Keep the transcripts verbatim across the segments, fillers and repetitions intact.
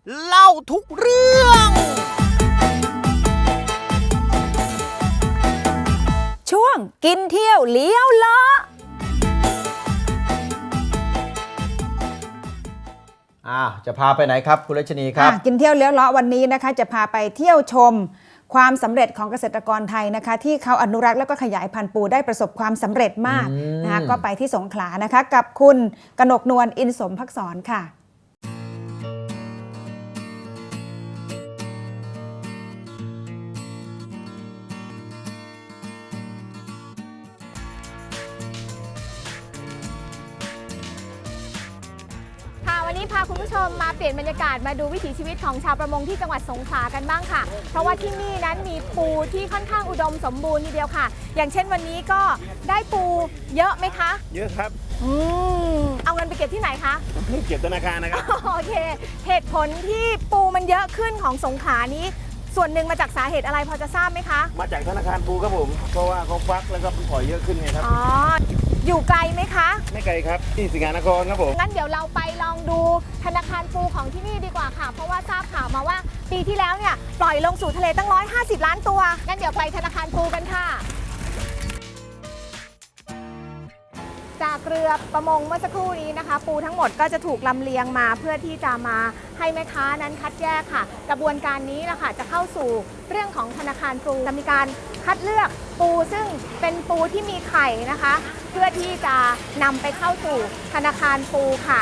เล่าทุกเรื่องช่วงกินเที่ยวเลี้ยวเลาะอ่าจะพาไปไหนครับคุณรัชนีครับกินเที่ยวเลี้ยวเลาะวันนี้นะคะจะพาไปเที่ยวชมความสำเร็จของเกษตรกรไทยนะคะที่เขาอนุรักษ์และก็ขยายพันธุ์ปูได้ประสบความสำเร็จมากนะคะก็ไปที่สงขลานะคะกับคุณกนกนวลอินสมภักษรค่ะวันนี้พาคุณผู้ชมมาเปลี่ยนบรรยากาศมาดูวิถีชีวิตของชาวประมงที่จังหวัดสงขลากันบ้างค่ะเพราะว่าที่นี่นั้นมีปูที่ค่อนข้างอุดมสมบูรณ์ทีเดียวค่ะอย่างเช่นวันนี้ก็ได้ปูเยอะไหมคะเยอะครับอืมเอาเงินไปเก็บที่ไหนคะเก็บธนาคารนะครับโอเคเหตุผลที่ปูมันเยอะขึ้นของสงขลานี้ส่วนหนึ่งมาจากสาเหตุอะไรพอจะทราบไหมคะมาจากธนาคารปูครับผมเพราะว่าเขาฟักแล้วก็ปล่อยเยอะขึ้นไงครับอ๋ออยู่ไกลไหมคะไม่ไกลครับที่สิงหานครครับผมงั้นเดี๋ยวเราไปลองดูธนาคารปูของที่นี่ดีกว่าค่ะเพราะว่าทราบข่าวมาว่าปีที่แล้วเนี่ยปล่อยลงสู่ทะเลตั้งหนึ่งร้อยห้าสิบล้านตัวงั้นเดี๋ยวไปธนาคารปูกันค่ะจากเรือประมงเมื่อสักครู่นี้นะคะปูทั้งหมดก็จะถูกลำเลียงมาเพื่อที่จะมาให้แม่ค้านั้นคัดแยกค่ะกระบวนการนี้นะคะจะเข้าสู่เรื่องของธนาคารปูจะมีการคัดเลือกปูซึ่งเป็นปูที่มีไข่นะคะเพื่อที่จะนำไปเข้าสู่ธนาคารปูค่ะ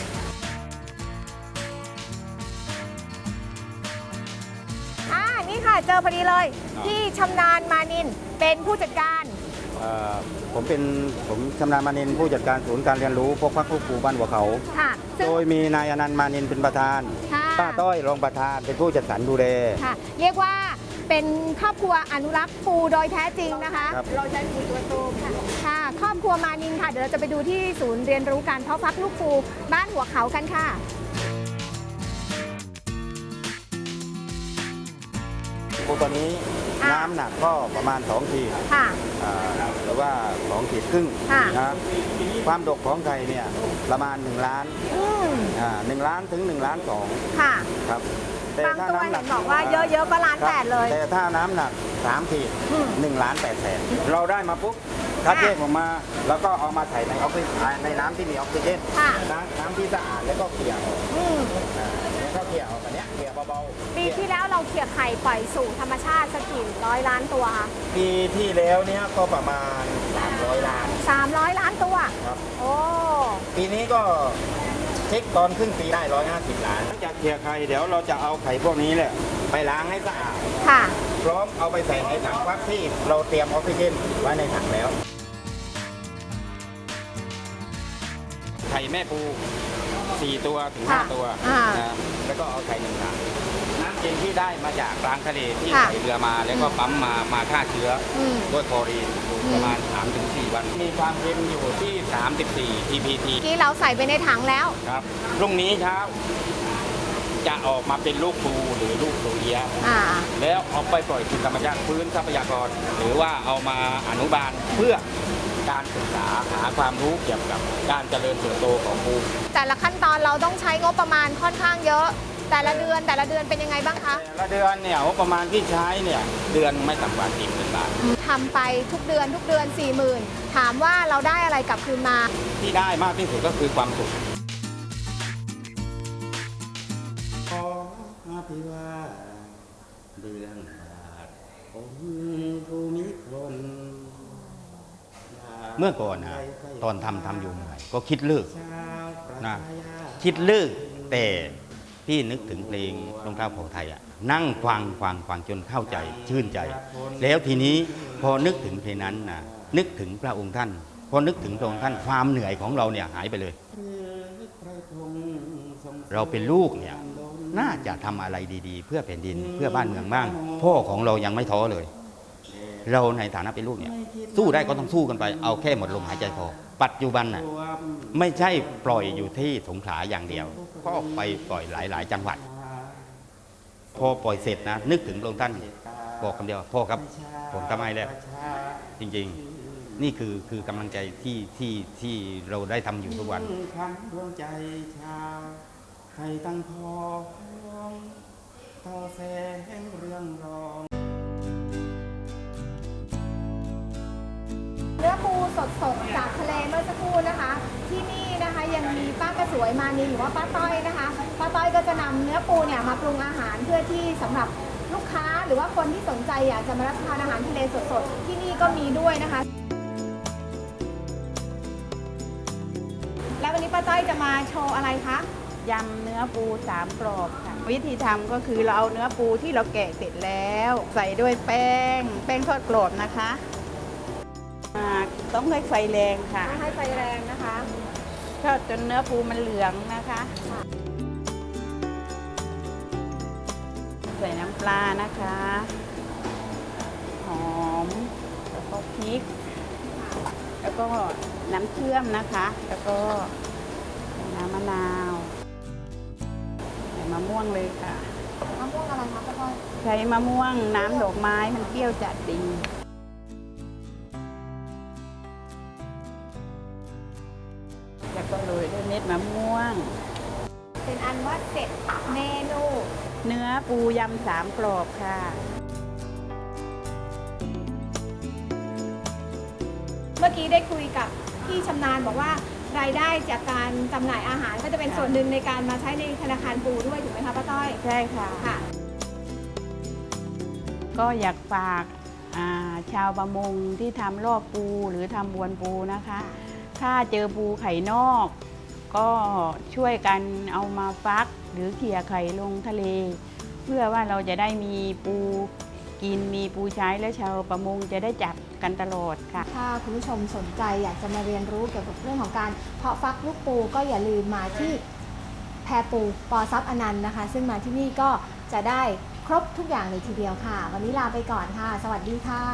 อ่านี่ค่ะเจอพอดีเลยที่ชำนาญมานินเป็นผู้จัดการผมเป็นผมชำนาญมานินผู้จัดการศูนย์การเรียนรู้พวกพักลูกปูบ้านหัวเขาโดยมีนายอนันต์มานินเป็นประธานป้าต้อยรองประธานเป็นผู้จัดสรรดูแลเรียกว่าเป็นครอบครัวอนุรักษ์ปูโดยแท้จริงนะคะเราใช้ปูตัวโตค่ะค่ะครอบครัวมานินค่ะเดี๋ยวเราจะไปดูที่ศูนย์เรียนรู้การเพาะพักลูกปูบ้านหัวเขากันค่ะปูตัวนี้น้ำหนักก็ประมาณสองขีดค่ะหรือว่าสองขีดครึ่งนะความดกของไข่เนี่ยประมาณหนึ่งล้านหนึ่งล้านถึงหนึ่งล้านสองค่ะครับแต่ถ้าน้ำหนักบอกว่าเยอะๆก็ล้านแปดเลยแต่ถ้าน้ำหนักสามขีดหนึ่งล้านแปดแสนเราได้มาปุ๊บคัดแยกออกมาแล้วก็เอามาใส่ในออกซิเจนในน้ำที่มีออกซิเจนน้ำที่สะอาดแล้วก็เกลี่ยแล้วก็เกลี่ยออกแบบนี้เกลี่ยเบาๆปีที่แล้วเราเกลี่ยไข่ปล่อยสู่ธรรมชาติสักกี่ร้อยล้านตัวคะปีที่แล้วเนี้ยก็ประมาณสามร้อยล้านสามร้อยล้านตัวครับโอ้ปีนี้ก็เช็คตอนครึ่งปีได้ร้อยห้าสิบล้านหลังจากเกลี่ยไข่เดี๋ยวเราจะเอาไข่พวกนี้แหละไปล้างให้สะอาดค่ะพร้อมเอาไปใส่ในถังฟักที่เราเตรียมออกซิเจนไว้ในถังแล้วไข่แม่ปูสี่ตัวถึงห้าตัวนะแล้วก็เอาไข่หนึ่งถังน้ำเย็นที่ได้มาจากกลางทะเลที่ใส่เรือมาแล้วก็ปั๊มมามาฆ่าเชื้อด้วยคลอรีนประมาณ สามถึงสี่ วันมีความเค็มอยู่ที่สามสิบสี่ ที พี ทีที่เราใส่ไปในถังแล้วครับพรุ่งนี้เช้าจะออกมาเป็นลูกปูหรือลูกโรเยียแล้วเอาไปปล่อยคืนธรรมชาติพื้นทรัพยากรหรือว่าเอามาอนุบาลเพื่อการศึกษาหาความรู้เกี่ยวกับการเจริญเติบโตของปูแต่ละขั้นตอนเราต้องใช้งบประมาณค่อนข้างเยอะแต่ละเดือนแต่ละเดือนเป็นยังไงบ้างคะแต่ละเดือนเนี่ยงบประมาณที่ใช้เนี่ยเดือนไม่ต่ำกว่าสี่หมื่นบาททำไปทุกเดือนทุกเดือนสี่หมื่นถามว่าเราได้อะไรกลับคืนมาที่ได้มากที่สุดก็คือความสุขเดือนเมื่อก่อนนะตอนทำทำอยู่ใหม่ก็คิดเลิกนะคิดเลิกแต่พี่นึกถึงเพลงรองเท้าเผ่าไทยอ่ะนั่งฟังฟังฟังจนเข้าใจชื่นใจแล้วทีนี้พอนึกถึงเพลงนั้นนะนึกถึงพระองค์ท่านพอนึกถึงพระองค์ท่านความเหนื่อยของเราเนี่ยหายไปเลยเราเป็นลูกเนี่ยน่าจะทำอะไรดีๆเพื่อแผ่นดินเพื่อบ้านเมืองบ้างพ่อของเรายังไม่ท้อเลยเราในฐานะเป็นลูกเนี่ยสู้ได้ก็ต้องสู้กันไปเอาแค่หมดลมหายใจพอปัจจุบันน่ะไม่ใช่ปล่อยอยู่ที่สงขลาอย่างเดียวก็ไปปล่อยหลายๆจังหวัดพอปล่อยเสร็จนะนึกถึงพระองค์ท่านบอกคำเดียวพ่อครับผมทำให้แล้วจริงๆนี่คือคือกำลังใจที่ที่ที่เราได้ทำอยู่ทุกวันใครตั้งพอเนื้อปูสดๆจากทะเลเมื่อสักครู่นะคะ ที่นี่นะคะยังมีป้ากระสวยมานีหรือว่าป้าต้อยนะคะป้าต้อยก็จะนำเนื้อปูเนี่ยมาปรุงอาหารเพื่อที่สำหรับลูกค้าหรือว่าคนที่สนใจอยากจะมารับประทานอาหารทะเลสดๆที่นี่ก็มีด้วยนะคะ แล้ววันนี้ป้าต้อยจะมาโชว์อะไรคะยำเนื้อปูสามกรอบค่ะ วิธีทำก็คือเราเอาเนื้อปูที่เราแกะเสร็จแล้ว ใส่ด้วยแป้ง แป้งทอดกรอบนะคะอ่าต้องให้ไฟแรงค่ะให้ไฟแรงนะคะทอดจนเนื้อปูมันเหลืองนะคะ ใส่น้ำปลานะคะ หอม แล้วก็พริก แล้วก็น้ำเชื่อมนะคะ แล้วก็น้ำมะนาวใส่มะม่วงเลยค่ะมะม่วงอะไรคะป้าต้อยใช้มะม่วงน้ำดอกไม้มันเปรี้ยวจัดดีแล้วก็โรยด้วยเม็ดมะม่วงเป็นอันว่าเสร็จเมนูเนื้อปูยำสามกรอบค่ะเมื่อกี้ได้คุยกับพี่ชำนาญบอกว่ารายได้จากการจำหน่ายอาหารก็จะเป็นส่วนหนึ่งในการมาใช้ในธนาคารปูด้วยถูกไหมคะป้าต้อยใช่ค่ะค่ะก็อยากฝากอ่าชาวประมงที่ทำรอบปูหรือทำบวนปูนะคะ ถ้าเจอปูไข่นอก ก็ช่วยกันเอามาฟักหรือเขี่ยไข่ลงทะเล เพื่อว่าเราจะได้มีปูกินมีปูใช้และชาวประมงจะได้จับกันตลอดค่ะถ้าคุณผู้ชมสนใจอยากจะมาเรียนรู้เกี่ยวกับเรื่องของการเพาะฟักลูกปูก็อย่าลืมมาที่แพปูปอซับอนันต์นะคะ ซึ่งมาที่นี่ก็จะได้ครบทุกอย่างเลยทีเดียวค่ะ วันนี้ลาไปก่อนค่ะ สวัสดีค่ะ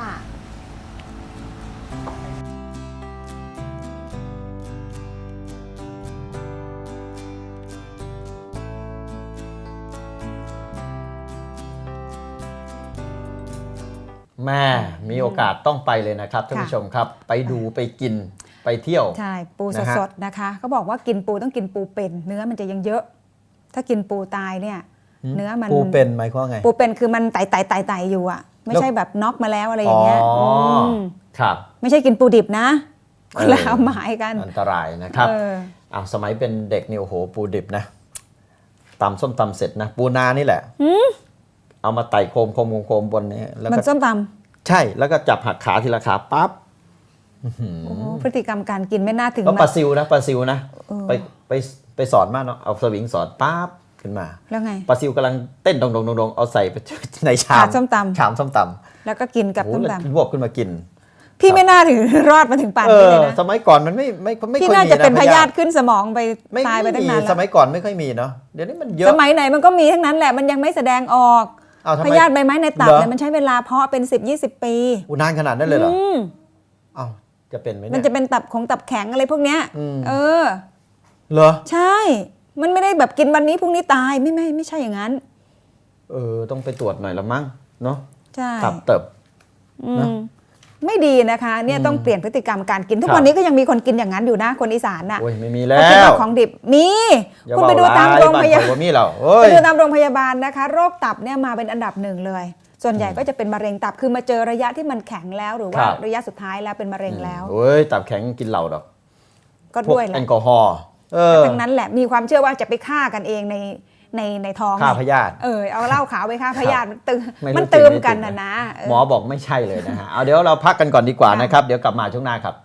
แม่มีโอกาสต้องไปเลยนะครับท่านผู้ชมครับ ไปดูไปกินไปเที่ยวใช่ปูนะฮะสดๆนะคะเขาบอกว่ากินปูต้องกินปูเป็นเนื้อมันจะยังเยอะ ถ้ากินปูตายเนี่ย เนื้อมันปูเป็นหมายความว่าไงปูเป็นคือมันไต่ไต่ไต่ไต่อยู่อ่ะไม่ใช่แบบน็อกมาแล้วอะไรอย่างเงี้ยอ๋ออมครับไม่ใช่กินปูดิบนะคนละเออความหมายกันอันตรายนะครับเอออ้าวสมัยเป็นเด็กนี่โอ้โหปูดิบนะตำส้มตำเสร็จนะปูนานี่แหละเอามาไต่โคมโคมโคมโคมบนนี้แล้วมันก็ส้มตใช่แล้วก็จับหักขาทีละขาปั๊บำโอ้พฤติกรรมการกินไม่น่าถึงแล้วปมาลาซิวนะปลาซิวนะเออไปไปไปสอนมากเนาะเอาสวิงสอนปั๊บขึ้นมาแล้วไงปลาซิวกำลังเต้นดงดงดงดงเอาใส่ไปในชามถาดส้มตำชามส้มตำแล้วก็กินกับโอ้โหส้มแล้วตำรวบขึ้นมากินพี่ไม่น่าถึง รอดมาถึงป่านเอนี้อเลยนะสมัยก่อนมันไม่ไม่ไม่พี่ค่อยน่ามีจะเป็นนะพยาธิขึ้นสมองไปไม่ตายไปตั้งมีนานแล้สวมัยก่อนไม่ค่อยมีเนาะเดี๋ยวนี้มันเยอะสมัยไหนมันก็มีทั้งนั้นแหละมันยังไม่แสดงออกอ้าวทำไมพยาธิใบไม้ในตับเหรอเนี่ยมันใช้เวลาเพาะเป็นสิบยี่สิบปีอุยนานขนาดนั้นเลยเหรออืมอ้าวจะเป็นไหมมันเนี่ยจะเป็นตับของตับแข็งอะไรพวกเนี้ยอืมเออเหรอใช่ มันไม่ได้แบบกินวันนี้พรุ่งนี้ตายไม่ไม่ไม่ใช่อย่างนั้นเออต้องไปตรวจหน่อยละมั้งเนาะใช่ตับเติบอืมนะไม่ดีนะคะเนี่ยอืมต้องเปลี่ยนพฤติกรรมการกิน ทุกครับวันนี้ก็ยังมีคนกินอย่างนั้นอยู่นะคนอีสานน่ะโอ้ยไม่มีแล้เขาคิดวว่าของดิบมีอย่าคุณไปดูเว้ตามร้โรงพยาบ้นบาลข่อยมีเราเอ้ไปยดูตามโรงพยาบาลนะคะ โรคตับเนี่ยมาเป็นอันดับหนึ่งเลย ส่วนใหญ่ก็จะเป็นมะเร็งตับคือมาเจอระยะที่มันแข็งแล้วหรือว่าครับระยะสุดท้ายแล้วเป็นมะเร็งแล้วโอ้ยตับแข็งกินเหล้าดอกก็พวกด้วยแหแอละลกอฮอล์เออทั้งนั้นแหละมีความเชื่อว่าจะไปฆ่ากันเองในในในท้องฆ่าพยาธิเออเอาเหล้าขาวไปฆ่าพยาธิมันตืมไม่รู้มันจริงตืมไม่จริงกันนะนะเออหมอบอกไม่ใช่เลยนะฮะ เอาเดี๋ยวเราพักกันก่อนดีกว่าค่ะนะครับ เดี๋ยวกลับมาช่วงหน้าครับ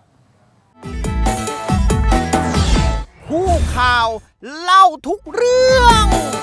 ผู้ข่าวเล่าทุกเรื่อง